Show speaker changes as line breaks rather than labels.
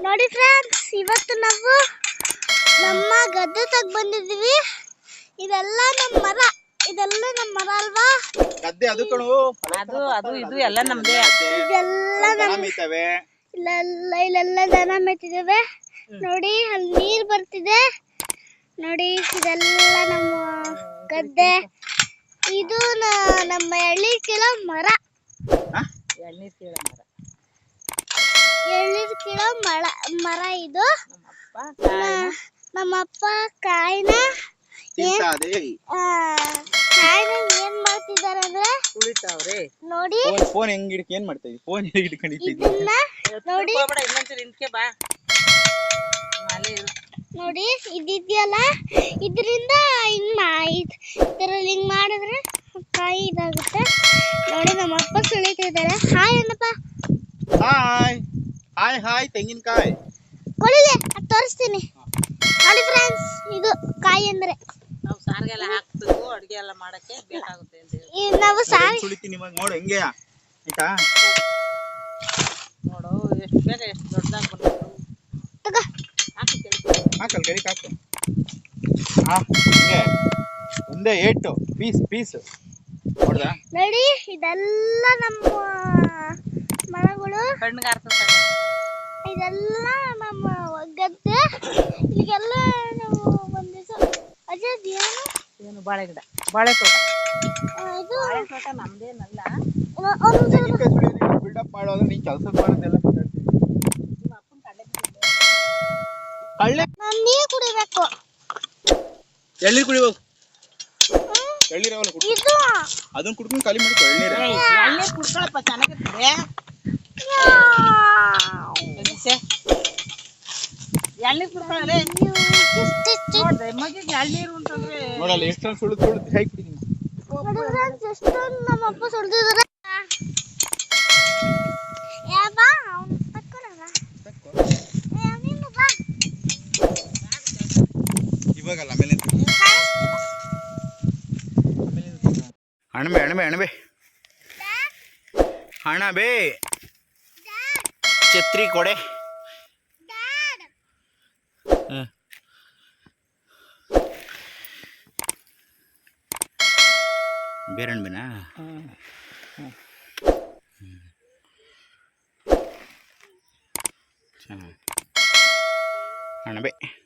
ನೋಡಿ ಫ್ರೆಂಡ್ಸ್, ಇವತ್ತು ನಾವು ನಮ್ಮ ಗದ್ದೆ ತಗ ಬಂದಿದ್ದೀವಿ. ಇದೆಲ್ಲ ನಮ್ಮ ಮರ ಅಲ್ವಾ?
ಗದ್ದೆ ಅದು ಕಣು,
ಅದು ಇದು ಎಲ್ಲ ನಮ್ದೇ.
ಇದೆಲ್ಲ ಇಲ್ಲೆಲ್ಲ ದನ ಮೇಯ್ತಿದ್ದೇವೆ. ನೋಡಿ ಅಲ್ಲಿ ನೀರ್ ಬರ್ತಿದೆ. ನೋಡಿ ಇದೆಲ್ಲ ನಮ್ಮ ಗದ್ದೆ. ಇದು ನಮ್ಮ ಎಳ್ನೀರ್ ಕೀಳೋ ಮರ. ಎಳ್ನೀರ್ ಕೀಳೋ ಮರ ಇದು. ನಮ್ಮಪ್ಪ ಕಾಯಿನ ಏನ್ ಮಾಡ್ತಿದ್ದಾರೆ ಅಂದ್ರೆ ನೋಡಿ.
ಫೋನ್ ಹೆಂಗ್ ಹಿಡ್ಕ ಏನ್ ಮಾಡ್ತಾ ಇದ್ದೀವಿ? ಫೋನ್ ಹಿಡ್ಕೊಂಡಿದ್ದೀವಿ
ನೋಡಿ. ನೋಡಿ ಇದಿದೆಯಲ್ಲ, ಇದರಿಂದ ಹಿಂಗ್ ಮಾಡಿದ್ರೆ ಕಾಯಿ ಇದಾಗುತ್ತೆ. ನೋಡಿ ನಮ್ಮಪ್ಪ ಸುಳಿತಿದ್ದಾರೆ. Hi Annappa.
Hi hi hi. ತೆಂಗಿನಕಾಯಿ
ಕೊಳಿಗೆ ತೋರಿಸ್ತೀನಿ. ನೋಡಿ ಫ್ರೆಂಡ್ಸ್, ಇದು ಕಾಯಿ ಅಂದ್ರೆ
ನಾವು ಸಾರಿಗೆಲ್ಲ ಹಾಕ್ಬೇಕು, ಅಡಿಗೆ ಎಲ್ಲ ಮಾಡಕ್ಕೆ ಬೇಕಾಗುತ್ತೆ ಅಂತ ಹೇಳಿ.
ನಾವು ಸಾರಿ
ಸುಳಿತೀನಿ ಇವಾಗ. ನೋಡು ಹೆಂಗೆ ಆಯ್ತಾ?
ನೋಡು ಎಷ್ಟು ಬೇಗ ಎಷ್ಟು ದೊಡ್ಡದಾಗಿ ಬಂತು.
ತಗೋ
ಹಾಕಲ್ ಕಡಿಕ್ ಹಾಕು. ಹಿಂಗೆ ಒಂದೇ ಏಟು ಪೀಸ್ ನೋಡ್ದಾ?
ನೋಡಿ ಇದೆಲ್ಲ ನಮ್ಮ ಮರಗಳು. ಇದೆಲ್ಲ ನಮ್ಮ ಗದ್ದೆ. ಇಲ್ಲಿಗೆಲ್ಲ ನಾವು ಒಂದ್ ದಿವಸ ಅಜಯ್
ಏನು ಬಾಳೆ ಗಿಡ, ಬಾಳೆ ತೋಟ.
ಇದು
ಬಾಳೆ ತೋಟ ನಮ್ದೇನಲ್ಲ.
ಬಿಲ್ಡಪ್ ಮಾಡೋದು ನೀನ್ ಕೆಲಸ ಮಾಡೋದೆಲ್ಲ ಮಾತಾಡ್ತೀನಿ.
ನಿಮ್ಮ ಅಪ್ಪನ
ಕಳ್ಳೆ
ನಾನು ನೀರು ಕುಡಿಬೇಕು.
ಎಳ್ನೀರು ಕುಡಿ ಹೋಗು. ಎಳ್ನೀರು
ಇದು
ಅದನ್ನ ಕುಡ್ಕೊಂಡು ಖಾಲಿ ಮಾಡ್ಕೊ. ಎಳ್ನೀರು
ಎಳ್ನೀರು ಕುಡ್ಕೊಳಪ್ಪ, ಚೆನ್ನಾಗಿರ್ತದೆ. ಎಳ್ನೀರು ಕುಡ್ಕೊಳ್ಳೆ. ನೋಡ್ದೆ ಮಗಿಗೆ ಎಳ್ನೀರು ಅಂತಂದ್ರೆ
ನೋಡಲ್ಲ ಎಷ್ಟೊಂದು ಸುಳಿದು ಹೇಗೆ ಕುಡಿದೀನಿ.
ಎಷ್ಟೊಂದು ನಮ್ಮಪ್ಪ ಸುಳ್ದಿದ್ದಾರೆ.
ಇವಾಗಲ್ಲ ಆಮೇಲೆ ಅಣಬೆ ಅಣಬೆ ಛತ್ರಿ ಕೊಡೆ. ಬೇರಣ್ಬೆನಾ? ಅಣಬೆ